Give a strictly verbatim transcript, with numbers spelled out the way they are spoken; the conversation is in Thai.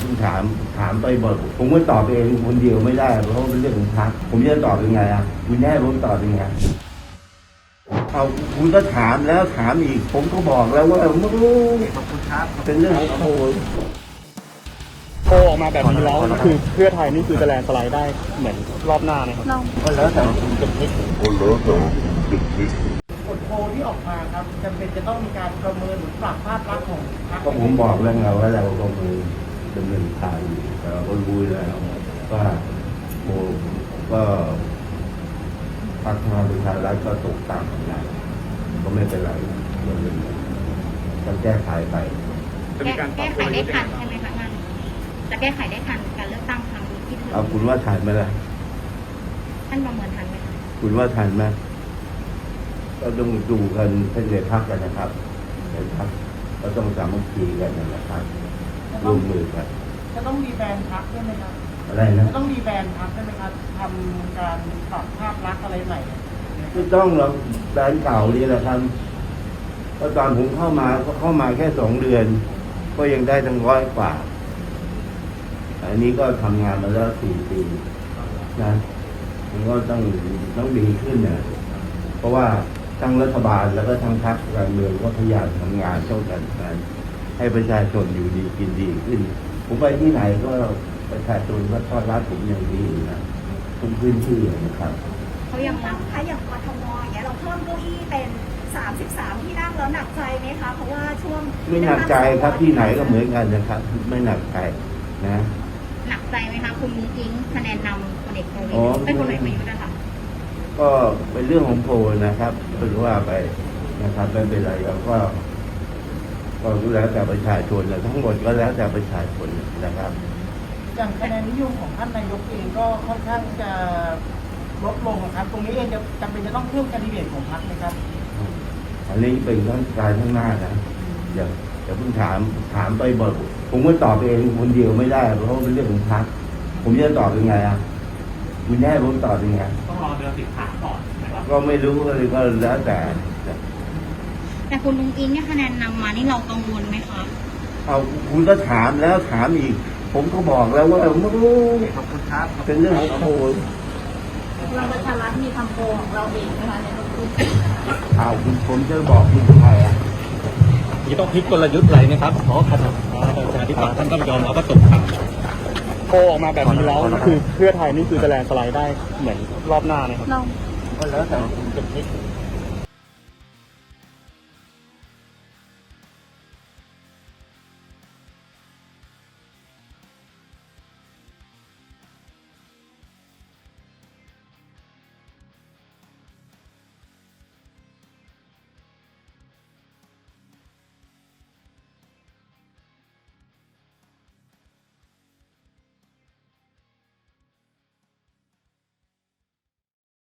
คุณถามถามไปบ่อยผมก็ตอบเองคนเดียวไม่ได้เพราะเป็นเรื่องของพรรคผมจะตอบยังไงอ่ะคุณแน่ผมตอบยังไงเอาคุณก็ถามแล้วถามอีกผมก็บอกแล้วว่าไม่รู้ขอบคุณครับเป็นเรื่องของโอ้ยโผล่ออกมาแบบนี้แล้วคือเพื่อไทยนี่คือจะแลนด์สไลด์ได้เหมือนรอบหน้าไหมครับก็แล้วแต่คุณจะคิดก็แล้วแต่จะคิดผลโพลที่ออกมาครับจำเป็นจะต้องมีการประเมินหรือปรับภาพลักษณ์ของพรรคก็ผมบอกแล้วไงว่าเราก็มือดำเนินการอยู่แต่เราก็รู้แล้วว่าโมก็พรรคพลังประชารัฐก็ตกต่ำของเราก็ไม่เป็นไรเราเรื่องก็แก้ไขไปแก้แก้ไขได้ทันใช่ไหมคะท่านจะแก้ไขได้ทันการเลือกตั้งครั้งนี้ที่ถึงเอาคุณว่าทันไหมล่ะท่านประเมินทันไหมคะคุณว่าทันไหมก็ต้องดูกันเป็นในพักกันนะครับในพักก็ต้องสามัคคีกันนะครับร่วมมือกันจะต้องรีแบรนด์พรรคด้วยไหมครับอะไรนะจะต้องรีแบรนด์พรรคด้วยไหมครับทำการปรับภาพลักษณ์อะไรใหม่ไม่ต้องเราแบรนด์เก่านี่แหละครับก็ตอนผมเข้ามาก็เข้ามาแค่สองเดือน ก็ยังได้ตั้งร้อยกว่า อันนี้ก็ทำงานมาแล้วสี่ปีนะมันก็ต้องต้องดีขึ้นนะเพราะว่าทั้งรัฐบาลแล้วก็ทั้งพรรคการเมืองก็พยายามทำงานช่วยกันกันให้ประชาชนอยู่ดีกินดีขึ้น ผมไปที่ไหนก็ประชาชนก็ต้อนรับผมอย่างดีนะทุกพื้นที่นะครับเขายังตั้งคะอย่างกทมอย่างเงี้ยเราเพิ่มเก้าอี้เป็นสามสิบสามที่นั่งแล้วหนักใจไหมคะเพราะว่าช่วงไม่หนักใจครับที่ไหนก็เหมือนกันนะครับ ไม่หนักใจนะหนักใจไหมคะคุณมุ้งอิงคะแนนนำพลเอกประวิตอ๋อรเป็นคนเอกประยุทธ์นะคะก็เป็นเรื่องของโพลนะครับเป็นว่าไปนะครับไม่เป็นไรแล้วก็ก็แล้วแต่ประชาชนนะทั้งหมดก็แล้วแต่ประชาชนนะครับอย่างคะแนนนิยมของท่านนายกเองก็ค่อนข้างจะลดลงนะครับ ตรงนี้เองจะจำเป็นจะต้องเพิ่มแคนดิเดตของพรรคไหมครับอันนี้เป็นขั้นการข้างหน้านะอย่าอย่าเพิ่งถามถามไปบ่อยผมก็ตอบเองคนเดียวไม่ได้เพราะเป็นเรื่องของพรรคผมจะตอบยังไงอ่ะคุณแน่ผมตอบยังไงต้องรอเดือนสิบห้าก่อนนะครับก็ไม่รู้เลยก็แล้วแต่แต่คุณมุ้งอิงเนี่ยคะแนนนำมานี่เรากังวลไหมคะเอาคุณก็ถามแล้วถามอีก ผมก็บอกแล้วว่าไม่รู้ขอบคุณครับเป็นเรื่องของโพลพลังประชารัฐมีทำโพลของเราเองนะคะในรุ่นเอาคุณผมจะบอกคุณใครอ่ะนี่ต้องพลิกกลยุทธ์อะไรนะครับเพราะคณะประชาธิปัตย์ท่านก็ยอมรับว่าตกต่ำโผล่ออกมาแบบนี้แล้วคือเพื่อไทยนี่คือจะแลนด์สไลด์ได้เหมือนรอบหน้าไหมครับเราก็แล้วแต่คุณจะคิด